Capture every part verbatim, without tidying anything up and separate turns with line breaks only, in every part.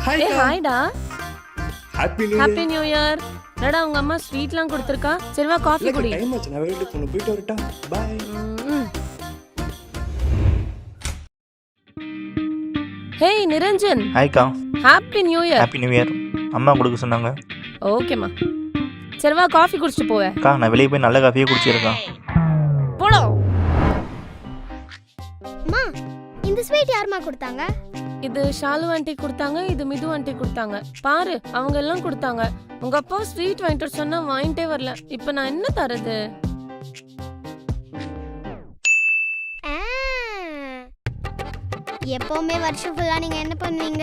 Hi
ஏ ஹாய்டா.
Happy new
happy new year. என்னடா உங்க அம்மா ஸ்வீட்லாம் கொடுத்துருக்கா? சரி வா காஃபி குடி.
டைம் ஆச்சு, நான் வெளியில போணும். போயிட்டு வரட்டா? பை.
ஹேய் நிரஞ்சன்.
ஹாய்க்கா.
Happy new year.
Happy new year. அம்மா கொடுக்க சொன்னாங்க.
ஓகேம்மா. சரி வா காஃபி குடிச்சிட்டு போவே.
அக்கா நான் வெளியே போய் நல்ல காஃபியே குடிச்சிருக்கேன்.
போடா.
அம்மா இந்த ஸ்வீட் யாருமா கொடுத்தாங்க?
இது ஷாலு ஆண்டி கொடுத்தாங்க, இது மிது ஆண்டி கொடுத்தாங்க. பாரு அவங்க எல்லாம் கொடுத்தாங்க. உங்க அப்பா ஸ்வீட் வாங்கிட்டு சொன்னா வாங்கிட்டே வரல. இப்போ நான் என்ன தரது?
எப்பவுமே வருஷம் ஃபுல்லா நீங்க என்ன பண்ணுவீங்க?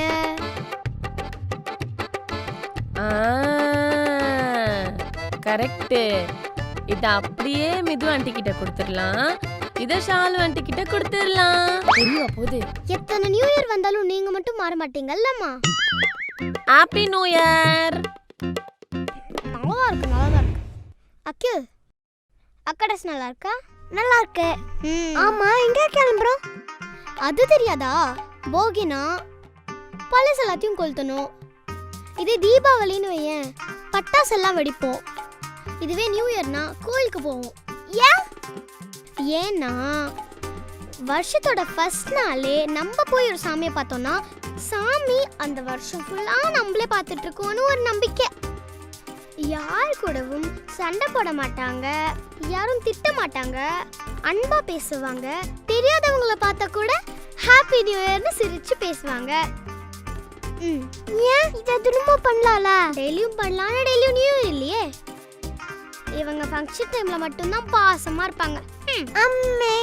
கரெக்ட். இத அப்படியே மிது ஆண்டி கிட்ட கொடுத்துடலாம், இத ஷாலு ஆண்டி கிட்ட கொடுத்துடலாம். தெரியவா போகுது?
எத்தனை நியூ இயர் வந்தாலும் நீங்க மட்டும் மாற மாட்டீங்கல்லம்மா.
Happy new year.
நல்லா இருக்கு, நல்லா இருக்கு. அக்கு அக்கா ட்ரெஸ் நல்லா இருக்கா? நல்லா இருக்கு. ஆமா எங்க கிளம்புறோம்? அது தெரியாதா? போகினா பழசு எல்லாத்தையும் கொளுத்தணும். இதே தீபாவளின்னு வையேன், பட்டாசு எல்லாம் வெடிப்போம். இதுவே நியூ இயர்னா கோயிலுக்கு போவோம். ஏன்? ஏன்னா வருஷத்தோட ஃபர்ஸ்ட் நாளே நம்ம போய் ஒரு சாமியை பார்த்தோம்னா சாமி அந்த வருஷம் ஃபுல்லா நம்மளே பார்த்துட்டு இருக்கோன்னு ஒரு நம்பிக்கை. யார் கூடவும் சண்டை போட மாட்டாங்க, யாரும் திட்ட மாட்டாங்க, அன்பா பேசுவாங்க. தெரியாதவங்களை பார்த்தா கூட ஹாப்பி நியூ இயர்னு சிரிச்சு பேசுவாங்க. ம் ஏன் இதை திரும்ப பண்ணலாம்ல? டெய்லியும் பண்ணலாம், டெய்லியும் நியூ இயர் இல்லையே. இவங்க ஃபங்க்ஷன் டைம்ல மட்டும்தான் பாசமா இருப்பாங்க. அம்மே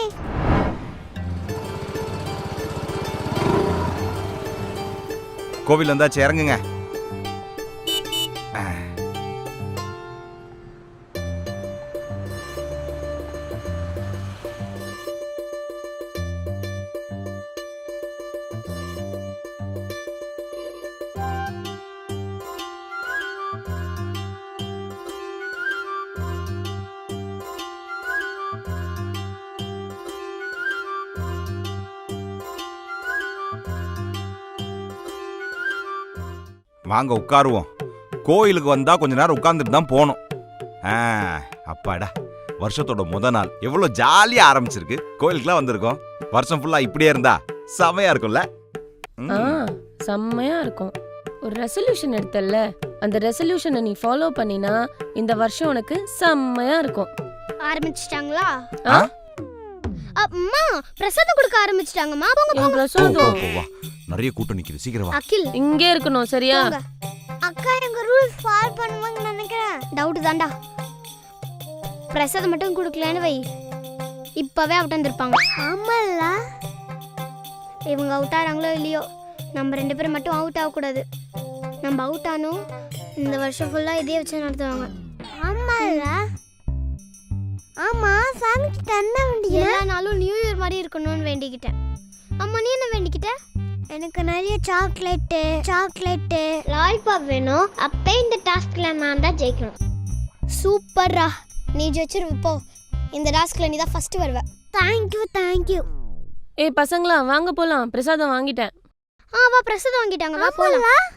கோவில் வந்தாச்சு, இறங்குங்க. வாங்க உட்காருவோம். கோயிலுக்கு வந்தா கொஞ்ச நேரம் உட்கார்ந்துட்டு தான் போகணும். அப்பாடா, வருஷத்தோட முத நாள் எவ்வளவு ஜாலியா ஆரம்பிச்சிருக்கு. கோயிலுக்குலாம் வந்திருக்கோம். வருஷம் ஃபுல்லா இப்படியே இருந்தா செமையா இருக்கும்ல?
செம்மையா இருக்கும். ஒரு ரெசல்யூஷன் எடுத்தல்ல, அந்த ரெசல்யூஷனை நீ ஃபாலோ பண்ணினா இந்த வருஷம் உனக்கு செம்மையா இருக்கும்.
ஆரம்பிச்சிட்டாங்களா? அம்மா பிரசாதம் கொடுக்க ஆரம்பிச்சிட்டாங்கம்மா. போங்க
பிரசாதம்.
நிறைய கூட்டம் நிக்குது, சீக்கிரம் வா.
அகில்
இங்கே இருக்கணும் சரியா?
அக்கா எங்க ரூல்ஸ் ஃபாலோ பண்ணுவாங்கன்னு நினைக்கிறேன். டவுட் தான்டா. பிரசாதம் மட்டும் கொடுக்கலன்னு வை, இப்பவே அவுட் வந்திருப்பாங்க. ஆமால்ல, இவங்க அவுட் ஆறாங்களோ இல்லையோ, நம்ம ரெண்டு பேரும் மட்டும் அவுட் ஆகக்கூடாது. நம்ம அவுட் ஆனோம் இந்த வருஷம் ஃபுல்லா இதே வச்சு நடத்துவாங்க. ஆமால்ல. ஆமா சாமிக்கு என்ன வேண்டிய? எல்லா நாளும் நியூ இயர் மாதிரி இருக்கணும்னு வேண்டிக்கிட்டேன். அம்மா நீ என்ன வேண்டிக்கிட்ட? எனக்கு நிறைய சாக்லேட்டு சாக்லேட்டு லாலிபாப் வேணும். அப்போ இந்த டாஸ்க்ல நான் தான் ஜெயிக்கணும். சூப்பர்ரா, நீ ஜெயிச்சிரு. போ, இந்த டாஸ்க்ல நீ தான் ஃபர்ஸ்ட் வருவ. Thank you thank you.
ஏய் பசங்களா வாங்க போலாம், பிரசாதம் வாங்கிட்டேன்.
ஆ வா, பிரசாதம் வாங்கிட்டாங்க, வா போலாம்.